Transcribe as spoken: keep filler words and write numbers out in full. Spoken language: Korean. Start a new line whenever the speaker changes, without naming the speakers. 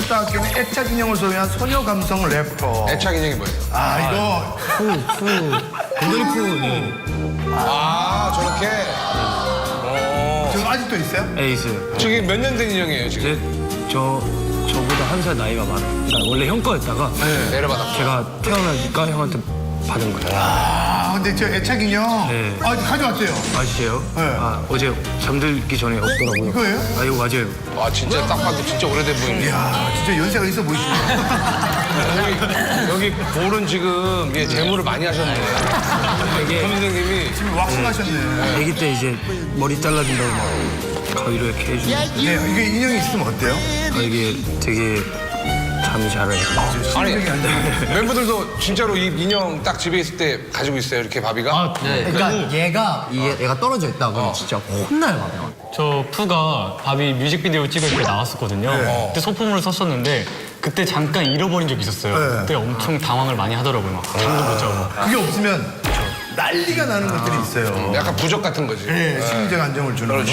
쌓았기는 애착 인형을 소유한 소녀 감성 래퍼.
애착 인형이 뭐예요?
아, 이거.
푸, 푸. 곰돌이 푸. 네.
아, 저렇게?
지금 아직도 있어요?
에이스.
저기 몇 년 된 인형이에요, 지금?
이제 저, 저보다 한 살 나이가 많아요. 그러니까 원래 형 거였다가
네, 내려받았고.
제가 태어나니까 형한테 받은 거예요.
아, 근데 저 애착 인형.
네.
아, 가져왔대요.
아시죠?
네.
아, 어제 잠들기 전에 없더라고요.
이거예요?
아, 이거 맞아요.
와, 진짜 딱 봐도 진짜 오래돼 보이네.
이야, 진짜 연세가 있어 보이시네.
여기, 여기 볼은 지금 예, 재물을 많이 하셨네.
이게
선생님이.
지금 왁싱 하셨네.
아기 때 이제 머리 잘라준다고 막 가위로 이렇게 해주고.
네, 이게 인형이 있으면 어때요?
아, 이게 되게 잠이 잘 와요.
아니,
심장이 안 되고.
멤버들도 진짜로 이 인형 딱 집에 있을 때 가지고 있어요, 이렇게 바비가?
네.
그러니까 얘가 이게 얘가 떨어져 있다 그러면 진짜 혼나요, 막.
저 푸가 바비 뮤직비디오 찍을 때 나왔었거든요. 그때 소품으로 썼었는데 그때 잠깐 잃어버린 적이 있었어요.
네.
그때 엄청 당황을 많이 하더라고요. 막 잠도 못 자고.
그게 없으면 난리가 나는 것들이 있어요.
약간 부적 같은 거지.
네, 심리적 안정을 주는 거.